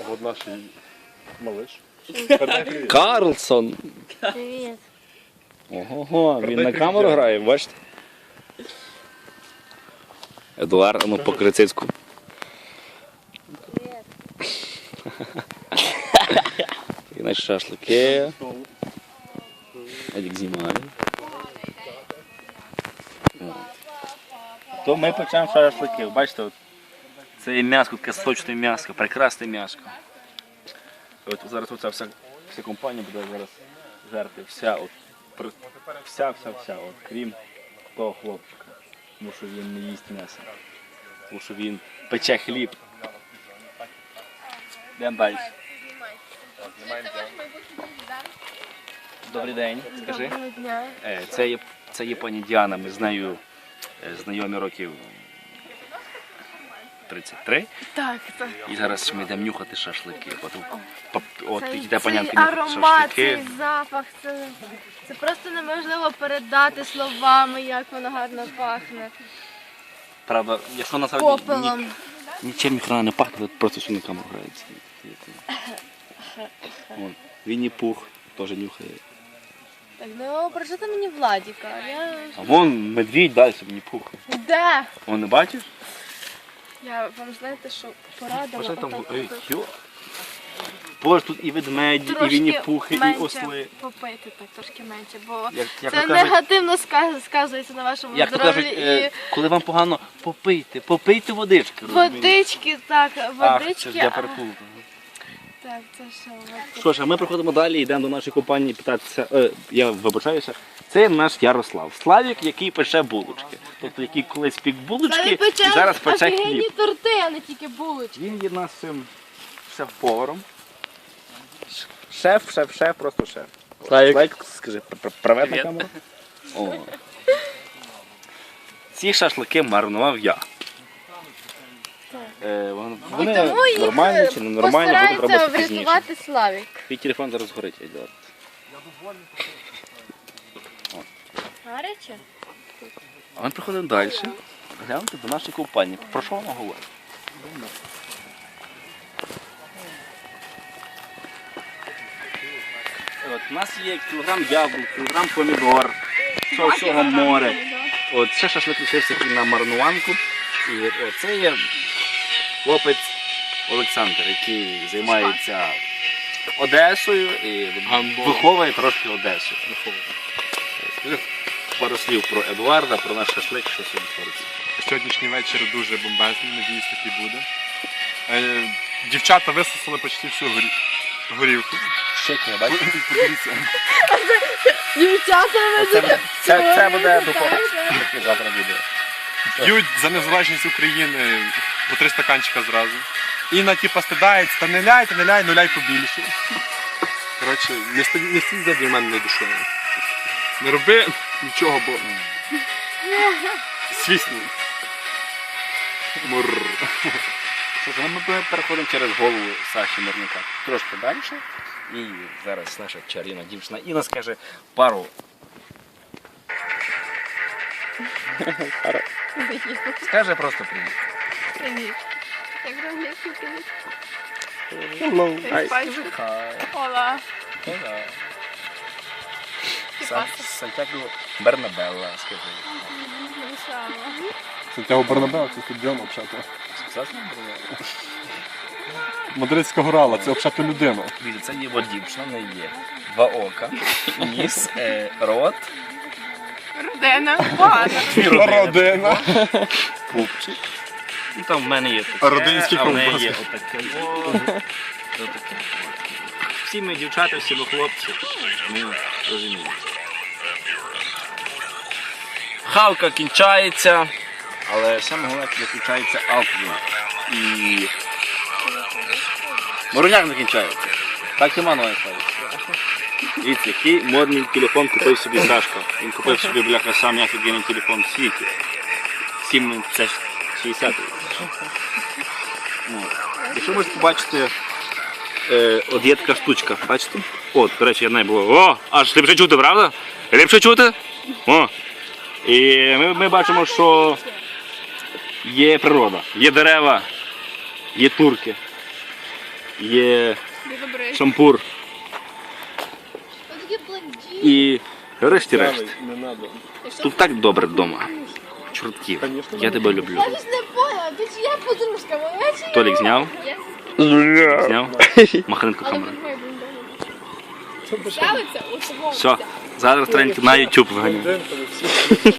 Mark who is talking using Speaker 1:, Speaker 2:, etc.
Speaker 1: Вот наш малыш.
Speaker 2: Карлсон.
Speaker 3: Привіт.
Speaker 2: Ого, він на камеру грає, бачите? Едуард, ну по крицицьку.
Speaker 3: Привіт.
Speaker 2: І наші шашлики. Едік знімає. То ми почнемо шашлики. Бачите, от, це є м'яско, таке сочне м'яско, прекрасне м'яско. От зараз оця вся компанія буде зараз жерти. Вся, от, крім того хлопчика. Тому що він не їсть м'ясо. Тому що він пече хліб. Йдемо далі. Добрий день, скажи.
Speaker 3: Доброго дня.
Speaker 2: Це є пані Діана, ми з нею знайомі років 33.
Speaker 3: Так, так.
Speaker 2: І зараз ми йдемо нюхати шашлики. От
Speaker 3: Цей
Speaker 2: йде панянка нюхати
Speaker 3: аромат, цей
Speaker 2: шашлики.
Speaker 3: запах, це просто неможливо передати словами, як воно гарно пахне.
Speaker 2: Правда, якщо насправді
Speaker 3: Попелом.
Speaker 2: нічим ніхрена не пахне, просто все на камеру грається. Вінні Пух теж нюхає.
Speaker 3: Так, ну прожити мені Владіка.
Speaker 2: А вон медвідь далі Вінні Пух.
Speaker 3: Де?
Speaker 2: Вон не бачиш?
Speaker 3: Я вам знаєте, що порадила
Speaker 2: Боже, там,
Speaker 3: отак
Speaker 2: ей,
Speaker 3: от
Speaker 2: йо. Боже, тут і ведмеді, і Вінні Пухи, і
Speaker 3: менше
Speaker 2: осли.
Speaker 3: попити, так трошки менше, бо
Speaker 2: Як
Speaker 3: це
Speaker 2: то кажуть,
Speaker 3: негативно сказується на вашому
Speaker 2: як то
Speaker 3: здоров'ї.
Speaker 2: кажуть, коли вам погано, попийте водички. розумієте?
Speaker 3: Водички, так,
Speaker 2: Ах,
Speaker 3: водички.
Speaker 2: це ж я переплутав.
Speaker 3: Так, це що, водички.
Speaker 2: Що ж, а ми приходимо далі, йдемо до нашої компанії питатися, я вибачаюся, це наш Ярослав. Славік, який пече булочки. Тобто, який колись пік булочки і зараз пече
Speaker 3: офігенні
Speaker 2: хліб.
Speaker 3: торти, а не тільки булочки.
Speaker 2: Він є нашим шеф-поваром. Шеф, просто шеф. Славік, скажи, привет на камеру. О. Ці шашлики маринував я. Вони
Speaker 3: Тому їх
Speaker 2: нормальні чи не нормальні, будемо
Speaker 3: постарається
Speaker 2: робити пізніше.
Speaker 3: врятувати Славік.
Speaker 2: Твій телефон зараз горить, Едуард.
Speaker 3: Гаряче?
Speaker 2: А ми приходимо далі. Гляньте до нашої компанії. Про що вона говорить? От, у нас є кілограм яблук, кілограм помідор, всього море. От, ще шашлик лишився на маринуванку. І от, це є хлопець Олександр, який займається Одесою і виховує трошки Одесу. Скажи пару слів про Едуарда, про наш шашлик, що сьогодні твориться.
Speaker 1: Сьогоднішній вечір дуже бомбезний, надіюсь, такий буде. Дівчата висосали почти всю горівку.
Speaker 2: Щекне, бачите?
Speaker 1: Подивіться.
Speaker 3: Дівчата,
Speaker 2: Це буде духовка, яке завтра буде.
Speaker 1: Б'ють за незалежність України по 3 стаканчика зразу. Інна типа стидається, та не ляй, ну ляй побільше. Коротше, не стій за для мене не душою. Не роби нічого, бо свісну. Мурр.
Speaker 2: Що ж, ми переходимо через голову Саші Мирника трошки далі. І зараз наша чарівна дівчина Інна скаже пару. Скаже просто привіт.
Speaker 3: Привіт. Як англійський привіт?
Speaker 2: Hello.
Speaker 3: Ола.
Speaker 2: Сантьяго Бернабелла, скажи.
Speaker 1: Сантьяго Бернабеу це стадіон взагалі.
Speaker 2: Сказати Бернабелла?
Speaker 1: Мадридська горала, це взагалі людина.
Speaker 2: Дивіться, це є дівчина, в неї є 2 ока, ніс, рот,
Speaker 3: Родина. Багато.
Speaker 1: Родина.
Speaker 2: пупчик. І там в мене є таке,
Speaker 1: Родинські
Speaker 2: а в неї
Speaker 1: ковбаски.
Speaker 2: є отаке. Отаке. Всі ми дівчата, всі ми хлопці, ми розуміємо. Хавка кінчається, але саме головне, що кінчається алкоголь. І мороняк не кінчається. Так і мано ставиться. Дивіться, який модний телефон купив собі Сашко. Він купив собі, бляха, самий офігенний телефон в світі. 760. Якщо можете побачити, от є така штучка, бачите? От, до речі, я не було. О, аж ліпше чути, правда? Ліпше чути? О. І ми бачимо, що є природа, є дерева, є турки. є
Speaker 3: Білобрис.
Speaker 2: шампур
Speaker 3: Ось такі блондини.
Speaker 2: і решті-решт.
Speaker 1: Не надо.
Speaker 2: Тут так добре вдома. Чортків, я тебе люблю.
Speaker 3: Я ж не поняла, ти чия подружка, моя чи
Speaker 2: Толік зняв?
Speaker 3: Є.
Speaker 2: Зняв? Махненко
Speaker 3: Але
Speaker 2: камера.
Speaker 3: він має бути. Ставиться у самому.
Speaker 2: Все, зараз тренінг на YouTube виганяю.